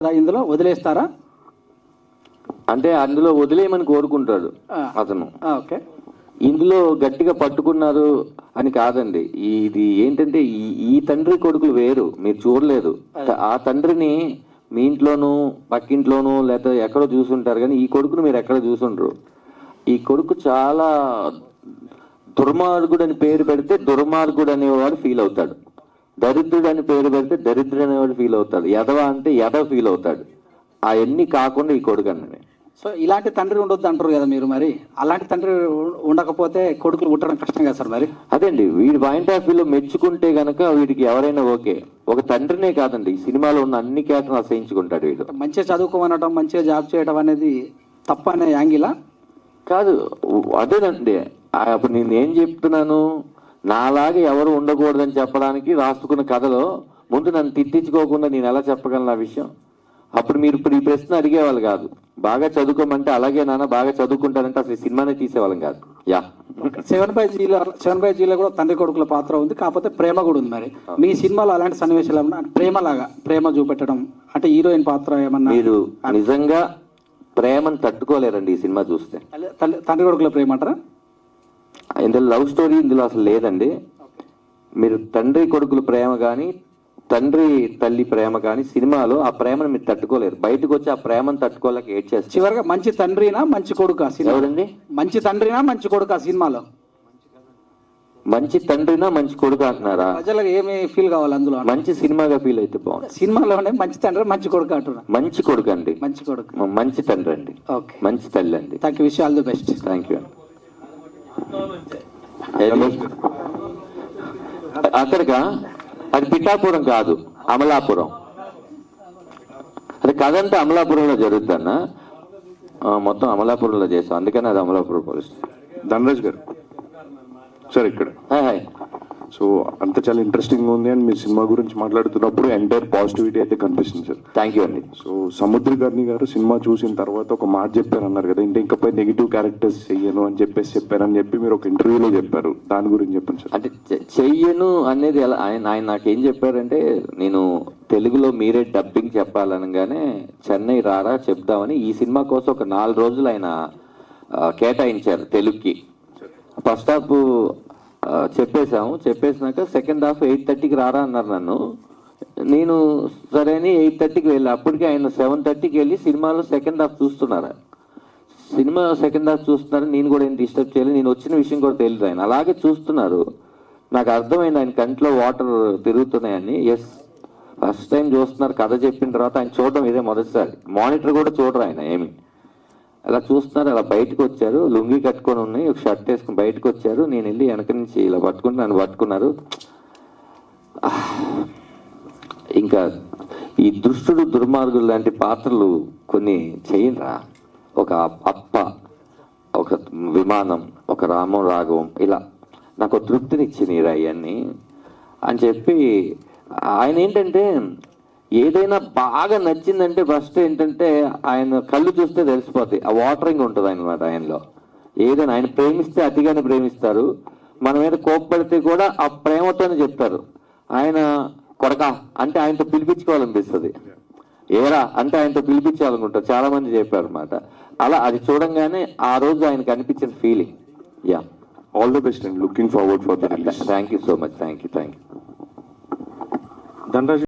ఇందులో వదిలేస్తారా? అంటే అందులో వదిలేయమని కోరుకుంటాడు అతను. ఓకే, ఇందులో గట్టిగా పట్టుకున్నారు అని కాదండి. ఇది ఏంటంటే ఈ తండ్రి కొడుకులు వేరు, మీరు చూడలేదు. ఆ తండ్రిని మీ ఇంట్లోనూ పక్కింట్లోనూ లేకపోతే ఎక్కడో చూసుంటారు, కానీ ఈ కొడుకును మీరు ఎక్కడ చూసుంటారు. ఈ కొడుకు చాలా దుర్మార్గుడు అని పేరు పెడితే దుర్మార్గుడు అనేవాడు ఫీల్ అవుతాడు, దరిద్రుడు అని పేరు పెడితే దరిద్రుడు అనేవాడు ఫీల్ అవుతాడు, ఎదవ అంటే ఎదవ ఫీల్ అవుతాడు. అవన్నీ కాకుండా ఈ కొడుకు అన్నది. సో ఇలాంటి తండ్రి ఉండొద్దు అంటారు కదా మీరు, మరి అలాంటి తండ్రి ఉండకపోతే కొడుకులు పుట్టడం కష్టం కదా సార్? మరి అదేండి వీడి పాయింట్ ఆఫ్ వ్యూలో మెచ్చుకుంటే గనక వీడికి ఎవరైనా ఓకే. ఒక తండ్రినే కాదండి, ఈ సినిమాలో ఉన్న అన్ని క్యారెక్టర్లు అసహించుకుంటాడు వీడు. మంచిగా చదువుకోమనడం, మంచిగా జాబ్ చేయడం అనేది తప్ప అనే యాంగిలా కాదు. అదేనండి, అప్పుడు నేను ఏం చెప్తున్నాను, నాలాగా ఎవరు ఉండకూడదని చెప్పడానికి రాసుకున్న కథలో ముందు నన్ను తిట్టించుకోకుండా నేను ఎలా చెప్పగలను ఆ విషయం? అప్పుడు మీరు ఇప్పుడు ఈ ప్రశ్న అడిగేవాళ్ళు కాదు. బాగా చదువుకోమంటే అలాగే నాన్న బాగా చదువుకుంటారంటే అసలు సినిమానే తీసేవాళ్ళం కాదు. యా, 7/Gలో కూడా తండ్రి కొడుకుల పాత్ర ఉంది, కాకపోతే ప్రేమ కూడా ఉంది. మరి మీ సినిమాలో అలాంటి సన్నివేశాలు ఏమన్నా ప్రేమలాగా ప్రేమ చూపెట్టడం అంటే హీరోయిన్ పాత్ర ఏమన్నా? మీరు నిజంగా ప్రేమను తట్టుకోలేరండి ఈ సినిమా చూస్తే. తండ్రి కొడుకుల ప్రేమ అంటారా? ఇందులో లవ్ స్టోరీ ఇందులో అసలు లేదండి. మీరు తండ్రి కొడుకుల ప్రేమ కానీ తండ్రి తల్లి ప్రేమ కానీ సినిమాలో ఆ ప్రేమను మీరు తట్టుకోలేరు. బయటకు వచ్చి ఆ ప్రేమను తట్టుకోలేక ఏడ్ చేస్తారు. చివరిగా మంచి తండ్రినా మంచి కొడుకు ఎవరండి? మంచి తండ్రినా మంచి కొడుకు సినిమాలో? మంచి తండ్రినా మంచి కొడుకు అంటున్నారా? ప్రజలకు ఏమి ఫీల్ కావాలి అందులో? మంచి సినిమాగా ఫీల్ అయితే బాగుంది. సినిమాలోనే మంచి తండ్రి మంచి కొడుకు అంటున్నా. మంచి కొడుకు అండి, మంచి కొడుకు, మంచి తండ్రి అండి, ఓకే, మంచి తల్లి అండి. Thank you, wish all the best. Thank you. అక్కడికా అది పిఠాపురం కాదు, అమలాపురం. అది కథ అంతా అమలాపురంలో జరుగుతుందన్న, మొత్తం అమలాపురంలో చేస్తాం, అందుకని అది అమలాపురం పోలీస్. ధనరాజ్ గారు సార్ ఇక్కడ సో అంత చాలా ఇంట్రెస్టింగ్ ఉంది అండ్ మీ సినిమా గురించి మాట్లాడుతున్నప్పుడు ఎంటైర్ పాజిటివిటీ అయితే కనిపిస్తుంది సార్. థ్యాంక్ యూ అండి. సో సముద్రకర్ణి గారు సినిమా చూసిన తర్వాత ఒక మాట చెప్పారు అన్నారు కదా, ఇంకపై నెగిటివ్ క్యారెక్టర్స్ చెయ్యను అని చెప్పారని చెప్పి మీరు ఒక ఇంటర్వ్యూలో చెప్పారు, దాని గురించి చెప్పండి సార్. అంటే చెయ్యను అనేది ఎలా ఆయన నాకేం చెప్పారంటే, నేను తెలుగులో మీరే డబ్బింగ్ చెప్పాలనగానే చెన్నై రారా చెప్దామని ఈ సినిమా కోసం ఒక 4 రోజులు ఆయన కేటాయించారు తెలుగుకి. ఫస్ట్ హాఫ్ చెప్పేసినాక సెకండ్ హాఫ్ 8:30కి రారా అన్నారు నన్ను. నేను సరే అని 8:30కి వెళ్ళి, అప్పటికి ఆయన 7:30కి వెళ్ళి సినిమాలో సెకండ్ హాఫ్ చూస్తున్నారు. సినిమా సెకండ్ హాఫ్ చూస్తున్నారు, నేను కూడా ఏం డిస్టర్బ్ చేయలేదు. నేను వచ్చిన విషయం కూడా తెలియదు, ఆయన అలాగే చూస్తున్నారు. నాకు అర్థమైంది ఆయన కంట్లో వాటర్ తిరుగుతున్నాయని. ఎస్, ఫస్ట్ టైం చూస్తున్నారు. కథ చెప్పిన తర్వాత ఆయన చూడడం ఇదే మొదటిసారి. మానిటర్ కూడా చూడరు ఆయన ఏమి. అలా చూస్తున్నారు. అలా బయటకు వచ్చారు, లుంగి కట్టుకొని ఉన్నాయి, ఒక షర్ట్ వేసుకుని బయటకు వచ్చారు. నేను వెళ్ళి వెనక నుంచి ఇలా పట్టుకుంటే నన్ను పట్టుకున్నారు. ఇంకా ఈ దుష్టుడు దుర్మార్గులు లాంటి పాత్రలు కొన్ని చేయరా, ఒక అప్ప, ఒక విమానం, ఒక రామం రాఘవం, ఇలా నాకు తృప్తినిచ్చినరా ఇవన్నీ అని చెప్పి. ఆయన ఏంటంటే ఏదైనా బాగా నచ్చిందంటే ఫస్ట్ ఏంటంటే ఆయన కళ్ళు చూస్తే తెలిసిపోతాయి, ఆ వాటరింగ్ ఉంటుంది అనమాట ఆయనలో. ఏదైనా ఆయన ప్రేమిస్తే అతిగానే ప్రేమిస్తారు, మన మీద కోప్పడితే కూడా ఆ ప్రేమతోనే చెప్తారు. ఆయన కొడక అంటే ఆయనతో పిలిపించుకోవాలనిపిస్తుంది, ఏరా అంటే ఆయనతో పిలిపించాలనుకుంటారు. చాలా మంది చెప్పారు అనమాట. అలా అది చూడంగానే ఆ రోజు ఆయనకు అనిపించిన feeling. Yeah, all the best and looking forward for the release. Thank you so much. Thank you. Dhanraj